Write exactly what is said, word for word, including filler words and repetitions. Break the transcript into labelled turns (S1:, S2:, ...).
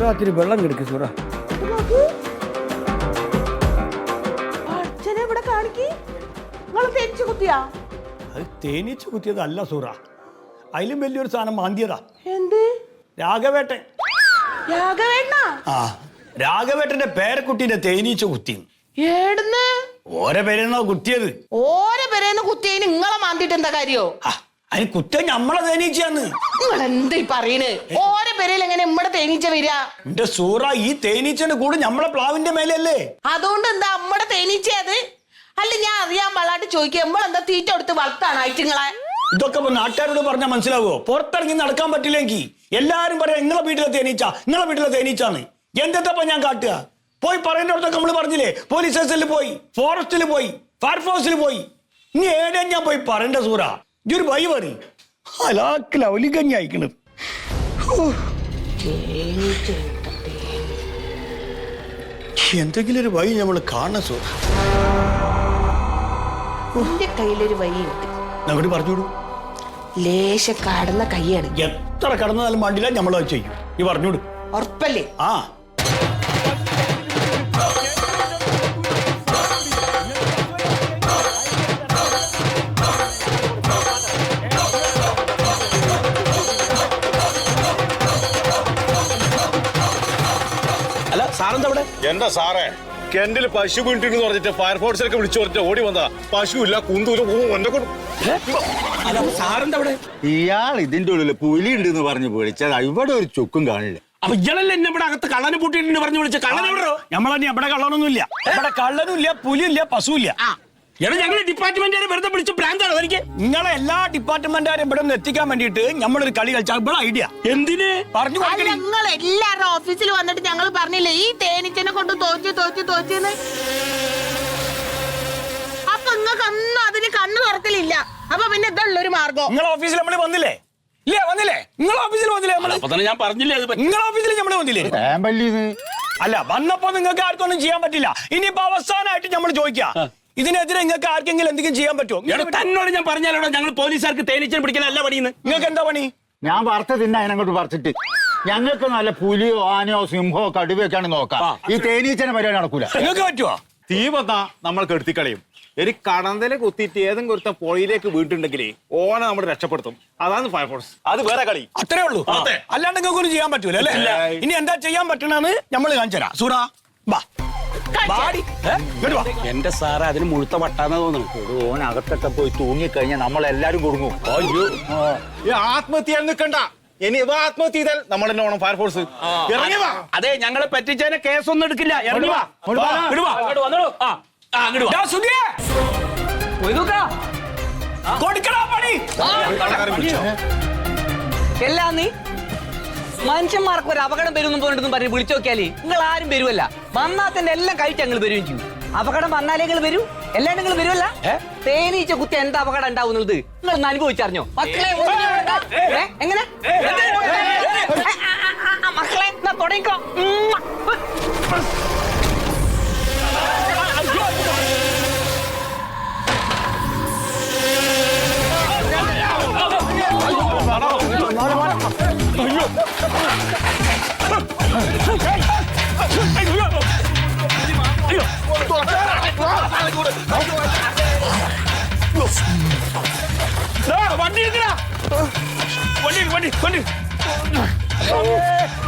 S1: സൂറാത്തിന് വെള്ളം കിടക്ക് സൂറ.
S2: അച്ഛനെ ഇവിടെ കാണിക്ക്. നിങ്ങൾ തേനീച്ച കുത്തിയാ?
S1: അത് തേനീച്ച കുത്തിയതല്ല സൂറ, അതിലും വലിയൊരു സാധനം മാന്തിയതാ.
S2: എന്ത്?
S1: രാഘവേട്ടൻ.
S2: രാഘവേട്ടനാ?
S1: ആ, രാഘവേട്ടന്റെ പേരക്കുട്ടീന്റെ തേനീച്ച കുത്തി.
S2: ഏടുന്ന്?
S1: ഓരോ പേരെന്നോ കുത്തിയത്.
S2: ഓരോ പേരേന്ന് കുത്തിയതിന് നിങ്ങളെ മാന്തിട്ട് എന്താ കാര്യോ?
S1: അതിന് കുത്ത നമ്മളെ തേനീച്ചയാന്ന്.
S2: നിങ്ങൾ എന്താ പറയണ്? ഓരോ പേരയിൽ എങ്ങനെ നമ്മടെ തേനീച്ച വരിക?
S1: എന്റെ സൂറ, ഈ തേനീച്ചന്റെ കൂടെ നമ്മളെ പ്ലാവിന്റെ മേലല്ലേ.
S2: അതുകൊണ്ട് എന്താ നമ്മടെ തേനീച്ച അത്? അല്ല, ഞാൻ അറിയാൻ പാടാട്ട് ചോദിക്കുക, നമ്മളെന്താ തീറ്റ കൊടുത്ത് വളർത്താണ് ആയിട്ടുങ്ങളെ?
S1: ഇതൊക്കെ നാട്ടുകാരോട് പറഞ്ഞാൽ മനസ്സിലാവോ? പുറത്തിറങ്ങി നടക്കാൻ പറ്റില്ലെങ്കിൽ എല്ലാരും പറയാം നിങ്ങളെ വീട്ടിലെ തേനീച്ച, നിങ്ങളെ വീട്ടിലെ തേനീച്ചാന്ന്. എന്തെത്തപ്പ ഞാൻ കാട്ടുക? പോയി പറയേണ്ടടുത്തൊക്കെ നമ്മള് പറഞ്ഞില്ലേ, പോലീസ് സ്റ്റേഷനിൽ പോയി, ഫോറസ്റ്റിൽ പോയി, ഫയർഫോഴ്സിൽ പോയി. ഇനി ഏടെ ഞാൻ പോയി പറയണ്ട സൂറ? ഇതൊരു വഴി പറയും. അലാക്കിൽ അവലികഞ്ഞി അയക്കണത്. എന്തെങ്കിലും ഒരു വഴി നമ്മൾ കാണണം സൂറ.
S2: എന്റെ കയ്യിലൊരു വഴിയുണ്ട്.
S1: അങ്ങോട്ട് പറഞ്ഞോളൂ.
S2: ലേശ കടന്ന കൈയാണ്.
S1: എത്ര കടന്നാലും വേണ്ടില്ല, നമ്മളത് ചെയ്യും. ഈ പറഞ്ഞോളൂ.
S2: ഉറപ്പല്ലേ?
S1: ആ,
S3: അല്ല സാറെന്താ ഇവിടെ?
S4: എന്താ സാറേ, കെന്റിൽ പശു വീണിട്ടെന്ന് പറഞ്ഞിട്ട് ഫയർഫോഴ്സിലൊക്കെ വിളിച്ചു പറഞ്ഞിട്ട് ഓടി വന്നതാ. പശുവില്ല, കുന്തൂല.
S3: അല്ല സാറെന്താ ഇവിടെ?
S5: ഇയാൾ ഇതിന്റെ ഉള്ളിൽ പുലി ഉണ്ട് എന്ന് പറഞ്ഞു വിളിച്ചത്. ഇവിടെ ഒരു ചുക്കും കാണില്ല.
S3: അപ്പൊ ഇയാളല്ലേ എന്നെ ഇവിടെ അകത്ത് കള്ളനെ പൂട്ടിയിട്ടുണ്ട് പറഞ്ഞു വിളിച്ച? കള്ളൻ എവിടെയോ?
S1: നമ്മളെ ഇവിടെ കള്ളനൊന്നുമില്ല. ഇവിടെ കള്ളനുമില്ല, പുലിയില്ല, പശുവില്ല.
S3: എടാ, ഞങ്ങളെ ഡിപ്പാർട്ട്മെന്റുകാരെ വെറുതെ വിളിച്ച് പ്രാന്താണ് എനിക്ക്.
S1: നിങ്ങളെ എല്ലാ ഡിപ്പാർട്ട്മെന്റുകാരും ഇവിടെ നിന്ന് എത്തിക്കാൻ വേണ്ടിട്ട് നമ്മളൊരു കളി കളിച്ചാൽ ഇവിടെ ഐഡിയ
S3: എന്തിന്
S1: പറഞ്ഞു കൊടുക്കണേ.
S2: ഞങ്ങൾ എല്ലാവരുടെ ഓഫീസിൽ വന്നിട്ട് ഞങ്ങൾ പറഞ്ഞില്ലേ ഈ തേനീച്ചനെ കൊണ്ട് തോച്ചു തോച്ചു തോച്ചെന്ന്? അപ്പൊ നിങ്ങൾക്ക് ഒന്നും അതിന് കണ്ണു തുറക്കലില്ല. അപ്പൊ പിന്നെ ഇതുള്ളൊരു മാർഗം.
S1: നിങ്ങളെ ഓഫീസിൽ നമ്മള് വന്നില്ലേ? ഇല്ലേ, വന്നില്ലേ? നിങ്ങളെ ഓഫീസിൽ വന്നില്ലേ നമ്മള്?
S3: അപ്പൊ തന്നെ ഞാൻ പറഞ്ഞില്ലേ അത് പറ്റി.
S1: നിങ്ങളെ ഓഫീസിൽ നമ്മള് വന്നില്ലേ?
S5: തേമ്പല്ലിന്ന്
S1: അല്ല, വന്നപ്പോ നിങ്ങൾക്ക് ആർക്കൊന്നും ചെയ്യാൻ പറ്റില്ല. ഇനിയിപ്പോ അവസാനമായിട്ട് നമ്മൾ ചോദിക്കാം, ഇതിനെതിരെ നിങ്ങൾക്ക് ആർക്കെങ്കിലും എന്തെങ്കിലും ചെയ്യാൻ പറ്റുമോ?
S3: എടാ, തന്നോട് ഞാൻ പറഞ്ഞാലോടാ, ഞങ്ങൾ പോലീസുകാർക്ക് തേനീച്ചനെ പിടിക്കാനല്ല പണിയുന്നത്.
S1: നിങ്ങൾക്ക് എന്താ പണി?
S5: ഞാൻ വറുത്ത തിന്ന അതിനങ്ങോട്ട് പറിച്ചിട്ട് ഞങ്ങൾക്ക് നല്ല പുലിയോ ആനയോ സിംഹോ കടുവയൊക്കെയാണ് നോക്കാം. ഈ തേനീച്ചനെ പരിപാടി നടക്കൂല.
S1: നിങ്ങൾക്ക് പറ്റുമോ?
S4: തീ വന്നാ നമ്മൾ കെടുത്തിക്കളയും. ഒരു കടന്തലെ കുത്തിയിട്ട് ഏതെങ്കിലും ഒരുത്ത പുഴയിലേക്ക് വീട്ടുണ്ടെങ്കിൽ ഓനെ നമ്മൾ രക്ഷപ്പെടുത്തും. അതാണ് ഫയർഫോഴ്സ്. അത് വേറെ കളി.
S1: അത്രേ ഉള്ളൂ. അല്ലാണ്ട് നിങ്ങൾക്ക് ഒന്നും ചെയ്യാൻ പറ്റൂല അല്ലേ? ഇനി എന്താ ചെയ്യാൻ പറ്റണെന്ന് നമ്മൾ കാണിച്ചുതരാം. സൂറ ബാ.
S3: എന്റെ സാറ് അതിന് മുഴുത്ത വട്ടാന്ന് തോന്നുന്നു.
S5: ഓൻ അകത്തൊക്കെ പോയി തൂങ്ങിക്കഴിഞ്ഞാൽ നമ്മളെല്ലാരും കുടുങ്ങും.
S3: അയ്യോ,
S4: ഈ ആത്മഹത്യ നിൽക്കണ്ട. ഇനി ഇവ ആത്മഹത്യ ചെയ്താൽ നമ്മൾ തന്നെ വേണം ഫയർഫോഴ്സ്. ഇറങ്ങി വാ.
S3: അതെ, ഞങ്ങളെ പറ്റിച്ചതിനെ കേസൊന്നും എടുക്കില്ല. ഇറങ്ങി വാ. ഇങ്ങോട്ട് വന്നോളൂ. ആ ആ ഇങ്ങോട്ട് വാ.
S6: എല്ലാം നീ മനുഷ്യന്മാർക്ക് ഒരു അപകടം വരുമെന്നും പോയിട്ടൊന്നും പറഞ്ഞ് വിളിച്ചു നോക്കിയാലേ നിങ്ങൾ ആരും വരുമല്ല. വന്നാത്തന്നെ എല്ലാം കഴിച്ച് ഞങ്ങൾ വരികയും ചെയ്യും. അപകടം വന്നാലേ നിങ്ങൾ വരൂ, എല്ലാം നിങ്ങൾ വരുമല്ല. തേനീച്ച കുത്തി എന്താ അപകടം ഉണ്ടാവുന്നത് നിങ്ങൾ ഒന്ന് അനുഭവിച്ചറിഞ്ഞോ മക്കളെ? എങ്ങനെ മക്കളെ തുടങ്ങിക്കോ.
S3: വണ്ടി വണ്ടി വണ്ടി വണ്ടി